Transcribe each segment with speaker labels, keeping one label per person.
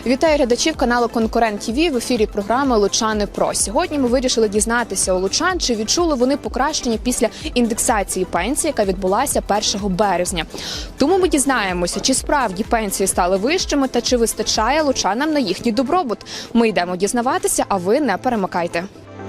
Speaker 1: Вітаю глядачів каналу Конкурент ТВ в ефірі програми «Лучани Про». Сьогодні ми вирішили дізнатися у лучан, чи відчули вони покращення після індексації пенсії, яка відбулася 1 березня. Тому ми дізнаємося, чи справді пенсії стали вищими та чи вистачає лучанам на їхній добробут. Ми йдемо дізнаватися, а ви не перемикайте.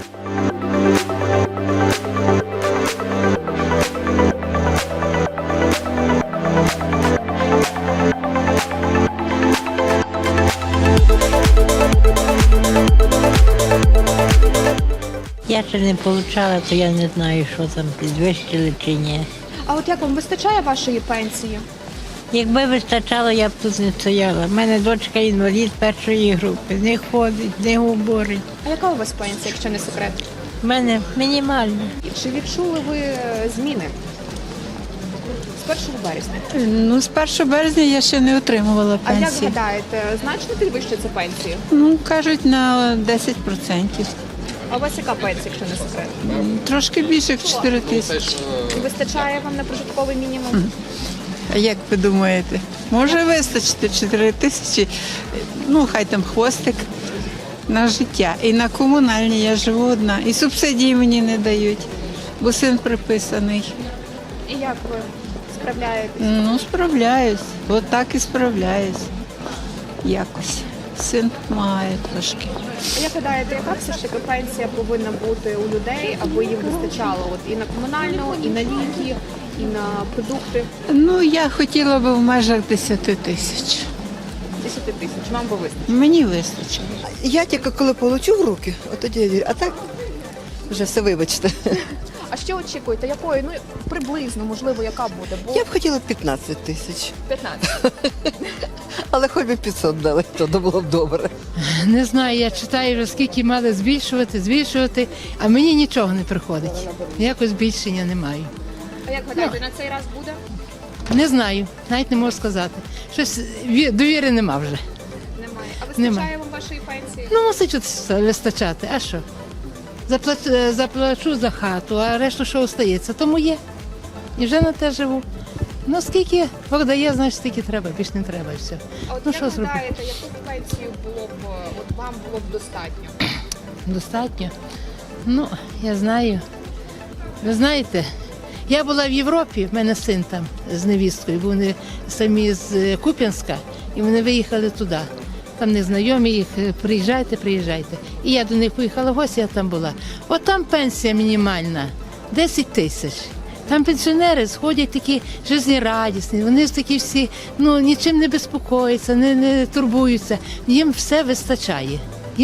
Speaker 2: Я ще не отримала, то я не знаю, що там підвищили чи ні.
Speaker 1: А от як вам вистачає вашої пенсії?
Speaker 2: Якби вистачало, я б тут не стояла. У мене дочка інвалід першої групи, не ходить, не говорить.
Speaker 1: А яка у вас пенсія, якщо не секрет?
Speaker 2: У мене мінімальна.
Speaker 1: Чи відчули ви зміни з 1 березня?
Speaker 3: Ну, з 1 березня я ще не отримувала
Speaker 1: А як
Speaker 3: пенсії.
Speaker 1: гадаєте, значно підвищиться пенсію?
Speaker 3: Ну, кажуть, на 10%.
Speaker 1: А у вас яка пенсія, якщо не секрет?
Speaker 3: Трошки більше, як 4 тисячі.
Speaker 1: Вистачає вам на прожитковий мінімум?
Speaker 3: А як ви думаєте? Може вистачити 4 тисячі? Ну, хай там хвостик на життя. І на комунальні я живу одна. І субсидії мені не дають, бо син приписаний.
Speaker 1: І як ви справляєтесь?
Speaker 3: Ну, справляюсь. Отак і справляюсь. Якось. Син допомагає трошки.
Speaker 1: А як гадаєте, яка все ж таки пенсія повинна бути у людей, аби їм вистачало от і на комунальну, і на ліки, і на продукти?
Speaker 3: Ну, я хотіла би в межах 10 тисяч.
Speaker 1: 10 тисяч, вам би вистачить.
Speaker 3: Мені вистачить.
Speaker 4: Я тільки коли получу в руки, от тоді я вірю. А так вже все вибачте.
Speaker 1: А що очікуєте? Якої, ну приблизно, можливо, яка буде? Бо
Speaker 4: Я б хотіла 15 тисяч,
Speaker 1: 15.
Speaker 4: але хоч би 500 дали, то було б добре.
Speaker 5: Не знаю, я читаю вже скільки мали збільшувати, а мені нічого не приходить. Ніякого збільшення немає.
Speaker 1: А як гадаєте, на цей раз буде?
Speaker 5: Не знаю, навіть не можу сказати. Щось довіри нема вже.
Speaker 1: Немає. А вистачає
Speaker 5: Немає.
Speaker 1: вам вашої пенсії?
Speaker 5: Ну, мусить вистачати, а що? Заплачу за хату, а решту що остається, тому є. І вже на те живу. Ну, скільки Бог дає, значить, стільки треба, більше не треба і все.
Speaker 1: А от
Speaker 5: Ну,
Speaker 1: як
Speaker 5: що зробити?
Speaker 1: гадаєте, яку пенсію було б, от вам було б достатньо?
Speaker 5: Достатньо? Ну, я знаю. Ви знаєте, я була в Європі, в мене син там з невісткою, бо вони самі з Куп'янська, і вони виїхали туди. Там незнайомі їх, приїжджайте. І я до них поїхала в гості, я там була. От там пенсія мінімальна, 10 тисяч. Там пенсіонери сходять такі жизнерадісні, вони такі всі, ну, нічим не безпокояться, не турбуються. Їм все вистачає.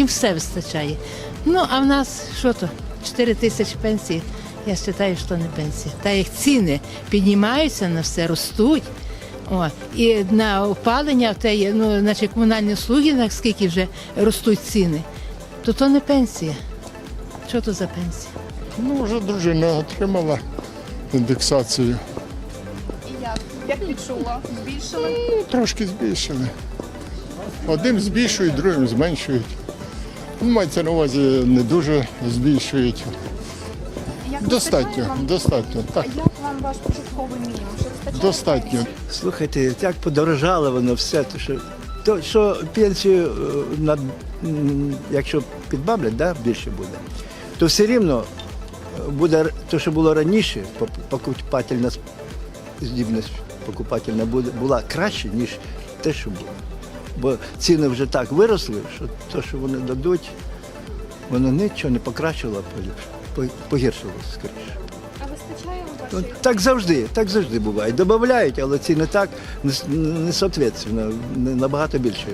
Speaker 5: Ну, а в нас, що то, 4 тисячі пенсії, я вважаю, що не пенсія. Та як ціни піднімаються на все, ростуть, і на опалення, ну, значить, комунальні услуги, наскільки вже ростуть ціни, то не пенсія. Що то за пенсія?
Speaker 6: Ну, вже дружина отримала індексацію.
Speaker 1: І як? Як відчула? Збільшили?
Speaker 6: Ну, трошки збільшили. Одним збільшують, другим зменшують. Ну, мається на увазі, не дуже збільшують.
Speaker 1: Як вистачає
Speaker 6: Достатньо,
Speaker 1: вам?
Speaker 6: достатньо. Так,
Speaker 1: А як вам ваш прожитковий мінімум? Чи вистачає
Speaker 6: достатньо.
Speaker 1: пенсії?
Speaker 7: Слухайте, як подорожало воно все, що пенсію, якщо підбавлять, да, більше буде, то все рівно буде те, що було раніше, покупательна здібність покупательна була краще, ніж те, що було. Бо ціни вже так виросли, що те, що вони дадуть, воно нічого не покращило, а погіршило скоріше.
Speaker 1: А вистачає вам вашої?
Speaker 7: Так завжди буває. Добавляють, але ціни так не соответственно, набагато більше.